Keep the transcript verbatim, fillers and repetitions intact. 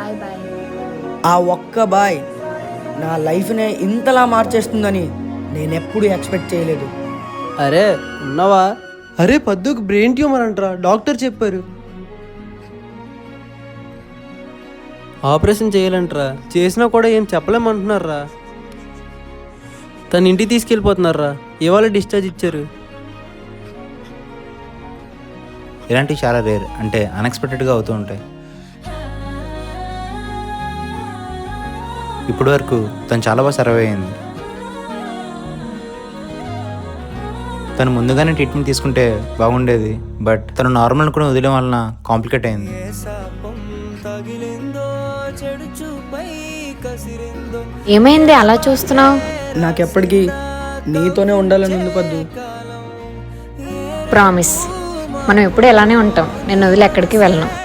Bye bye. ఆ ఒక్క bye నా లైఫ్నే ఇంతలా మార్చేస్తుందని నేనెప్పుడు ఎక్స్పెక్ట్ చేయలేదు. అరే ఉన్నావా? అరే పద్దుకు బ్రెయిన్ ట్యూమర్ అంటరా, డాక్టర్ చెప్పారు. ఆపరేషన్ చేయాలంటరా, చేసినా కూడా ఏం చెప్పలేమంటున్నారా. తన ఇంటికి తీసుకెళ్ళిపోతున్నారా, ఇవాళ డిశ్చార్జ్ ఇచ్చారు. ఇలాంటివి చాలా రేర్, అంటే అన్ఎక్స్పెక్టెడ్గా అవుతూ ఉంటాయి. ఇప్పటి వరకు తను చాలా బాగా సర్వే అయింది. తను ముందుగానే ట్రీట్మెంట్ తీసుకుంటే బాగుండేది, బట్ తను నార్మల్ కూడా వదిలేం వలన కాంప్లికేట్ అయింది. ఏమైంది అలా చూస్తున్నావు? నాకెప్పటికీ నీతోనే ఉండాలని ఉంది పద్దు. ప్రామిస్, మనం ఎప్పుడు ఎలానే ఉంటాం. నేను వదిలి ఎక్కడికి వెళ్ళను.